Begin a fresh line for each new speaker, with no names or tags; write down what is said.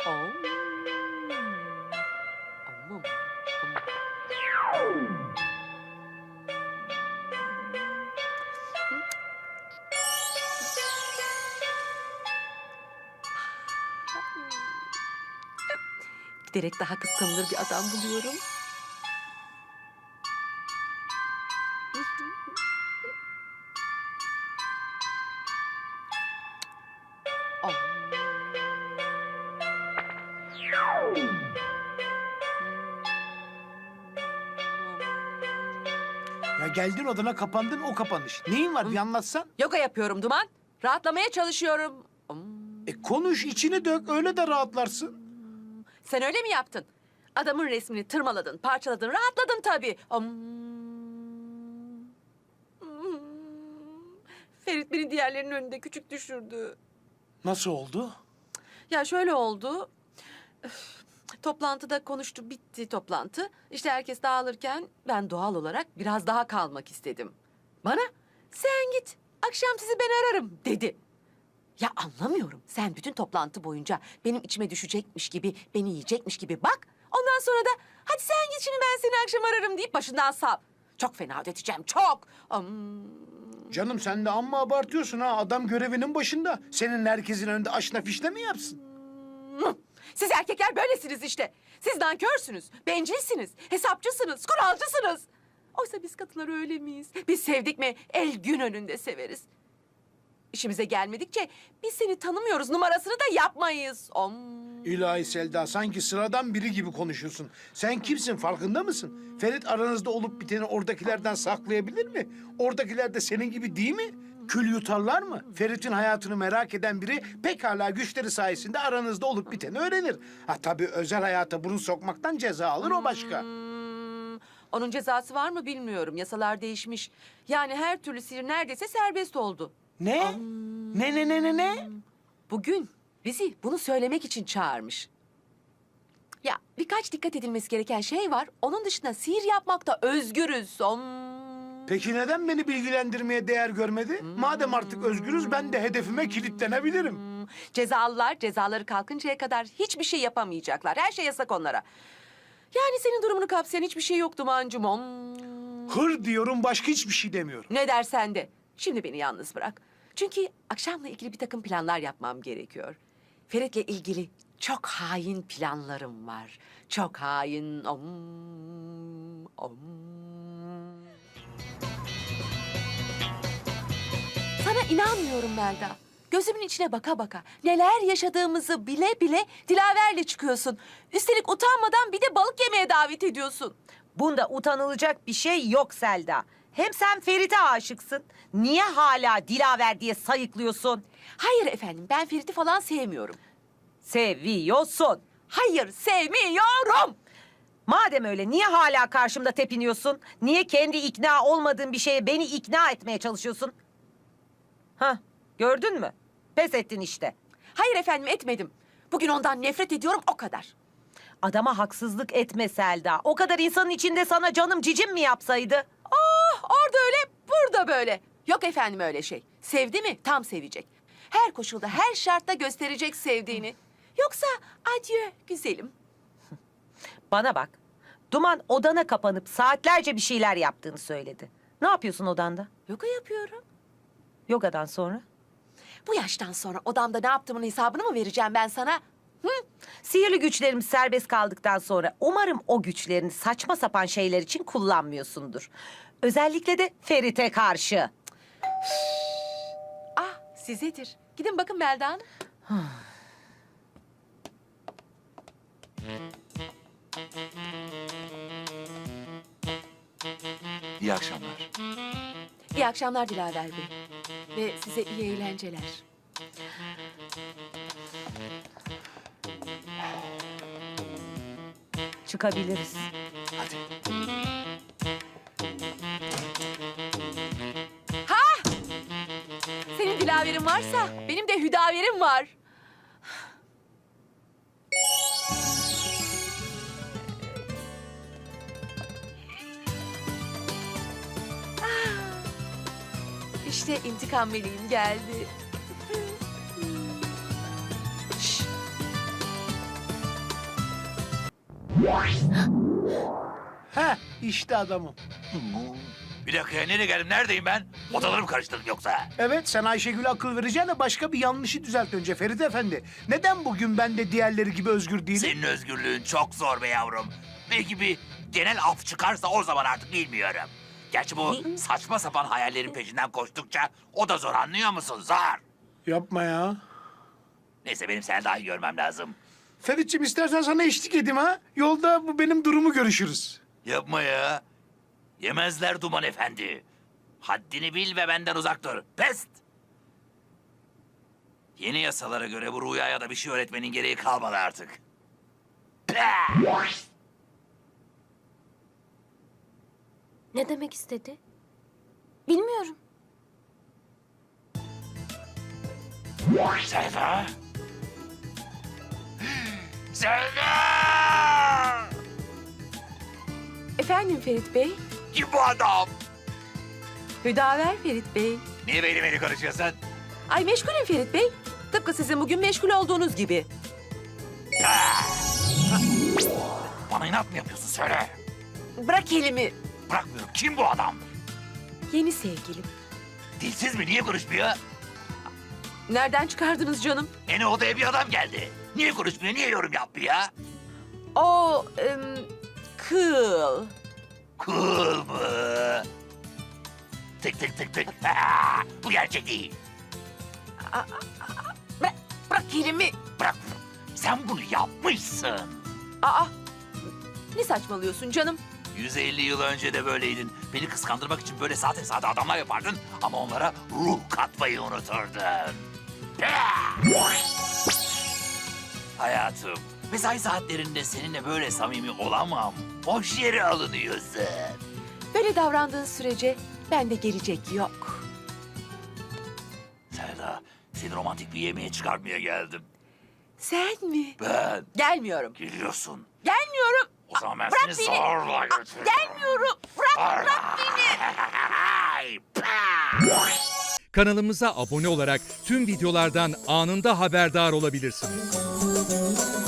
Oh. Aman. Giderek daha kıskanılır bir adam buluyorum. Oh.
Ya geldin odana kapandın o kapanış. Neyin var bir anlatsan.
Yoga yapıyorum Duman. Rahatlamaya çalışıyorum.
Konuş içini dök öyle de rahatlarsın.
Sen öyle mi yaptın? Adamın resmini tırmaladın, parçaladın, rahatladın tabii. Ferit beni diğerlerinin önünde küçük düşürdü.
Nasıl oldu?
Ya şöyle oldu. Toplantıda konuştu, bitti toplantı. İşte herkes dağılırken ben doğal olarak biraz daha kalmak istedim. Bana sen git, akşam sizi ben ararım dedi. Ya anlamıyorum. Sen bütün toplantı boyunca benim içime düşecekmiş gibi, beni yiyecekmiş gibi bak. Ondan sonra da hadi sen git şimdi ben seni akşam ararım deyip başından sav. Çok fena ödeteceğim, çok.
Canım sen de amma abartıyorsun ha. Adam görevinin başında. Senin herkesin önünde aşna fişne mi yapsın?
Siz erkekler böylesiniz işte. Siz nankörsünüz, bencilsiniz, hesapçısınız, kuralcısınız. Oysa biz kadınlar öyle miyiz? Biz sevdik mi el gün önünde severiz. İşimize gelmedikçe biz seni tanımıyoruz numarasını da yapmayız.
İlahi Selda sanki sıradan biri gibi konuşuyorsun. Sen kimsin farkında mısın? Ferit aranızda olup biteni oradakilerden saklayabilir mi? Oradakiler de senin gibi değil mi? Kül yutarlar mı? Ferit'in hayatını merak eden biri pekala güçleri sayesinde aranızda olup biteni öğrenir. Ha tabii özel hayata burun sokmaktan ceza alır o başka.
Onun cezası var mı bilmiyorum. Yasalar değişmiş. Yani her türlü sihir neredeyse serbest oldu.
Ne? Ne?
Bugün bizi bunu söylemek için çağırmış. Ya birkaç dikkat edilmesi gereken şey var. Onun dışında sihir yapmakta özgürüz.
Peki neden beni bilgilendirmeye değer görmedi? Madem artık özgürüz ben de hedefime kilitlenebilirim.
Cezalılar cezaları kalkıncaya kadar hiçbir şey yapamayacaklar. Her şey yasak onlara. Yani senin durumunu kapsayan hiçbir şey yok Duman'cığım.
Hır diyorum başka hiçbir şey demiyorum.
Ne dersen de. Şimdi beni yalnız bırak. Çünkü akşamla ilgili bir takım planlar yapmam gerekiyor. Ferit'le ilgili çok hain planlarım var. Çok hain. Sana inanmıyorum Melda. Gözümün içine baka baka neler yaşadığımızı bile bile Dilaver'le çıkıyorsun. Üstelik utanmadan bir de balık yemeye davet ediyorsun.
Bunda utanılacak bir şey yok Selda. Hem sen Ferit'e aşıksın. Niye hala Dilaver diye sayıklıyorsun?
Hayır efendim, ben Ferit'i falan sevmiyorum.
Seviyorsun.
Hayır, sevmiyorum.
Madem öyle niye hala karşımda tepiniyorsun? Niye kendi ikna olmadığın bir şeye beni ikna etmeye çalışıyorsun? Hah, gördün mü? Pes ettin işte.
Hayır efendim, etmedim. Bugün ondan nefret ediyorum, o kadar.
Adama haksızlık etme Selda. O kadar insanın içinde sana canım cicim mi yapsaydı?
Oh, orada öyle, burada böyle. Yok efendim öyle şey. Sevdi mi tam sevecek. Her koşulda, her şartta gösterecek sevdiğini. Yoksa adieu güzelim.
Bana bak. Duman odana kapanıp saatlerce bir şeyler yaptığını söyledi. Ne yapıyorsun odanda?
Yoga yapıyorum.
Yogadan sonra?
Bu yaştan sonra odamda ne yaptığımın hesabını mı vereceğim ben sana?
Sihirli güçlerimiz serbest kaldıktan sonra umarım o güçlerini saçma sapan şeyler için kullanmıyorsundur. Özellikle de Ferit'e karşı.
Ah, sizedir. Gidin bakın Melda Hanım.
İyi akşamlar.
İyi akşamlar Dilaver Bey. Ve size iyi eğlenceler.
Çıkabiliriz.
Hadi.
Senin Dilaver'in varsa benim de Hüdaver'im var. İşte intikam meleğim geldi. Şş.
Heh, işte adamım.
Bir dakika ya, nereye geldim? Neredeyim ben? Odaları mı karıştırdım yoksa?
Evet, sen Ayşegül'e akıl vereceğine başka bir yanlışı düzelt önce Ferit Efendi. Neden bugün ben de diğerleri gibi özgür değilim?
Senin özgürlüğün çok zor be yavrum. Belki bir genel af çıkarsa o zaman artık bilmiyorum. Gerçi bu saçma sapan hayallerin peşinden koştukça o da zor, anlıyor musun? Zor.
Yapma ya.
Neyse, benim Selda'yı görmem lazım.
Ferit'ciğim istersen sana eşlik edeyim ha. Yolda bu benim durumu görüşürüz.
Yapma ya. Yemezler Duman Efendi. Haddini bil ve benden uzak dur. Pest! Yeni yasalara göre bu Rüya'ya da bir şey öğretmenin gereği kalmadı artık. Pah!
Ne demek istedi? Bilmiyorum.
Selda! Selda!
Efendim Ferit Bey?
Kim bu adam?
Hüdaver Ferit Bey.
Niye beni konuşuyorsun?
Ay meşgulüm Ferit Bey. Tıpkı sizin bugün meşgul olduğunuz gibi.
Bana inat mı yapıyorsun, söyle.
Bırak elimi.
Bırakmıyorum. Kim bu adam?
Yeni sevgilim.
Dilsiz mi? Niye konuşmuyor?
Nereden çıkardınız canım?
Yeni odaya bir adam geldi. Niye konuşmuyor? Niye yorum yapmıyor?
O kıl.
Cool mu? Tık tık tık tık. Bu gerçek değil.
Bırak elimi.
Bırakmıyorum. Sen bunu yapmışsın.
Aa, ne saçmalıyorsun canım?
150 yıl önce de böyleydin. Beni kıskandırmak için böyle sade adamlar yapardın ama onlara ruh katmayı unuturdun. Hayatım, mesai saatlerinde seninle böyle samimi olamam. Boş yere alınıyorsun.
Böyle davrandığın sürece bende gelecek yok.
Selda, seni romantik bir yemeğe çıkarmaya geldim.
Sen mi?
Ben
Gelmiyorum.
geliyorsun.
Gelmiyorum.
O zaman ben
Bırak
seni
beni.
zorla götürürüm.
Gelmiyorum. Bırak beni.
Kanalımıza abone olarak tüm videolardan anında haberdar olabilirsiniz.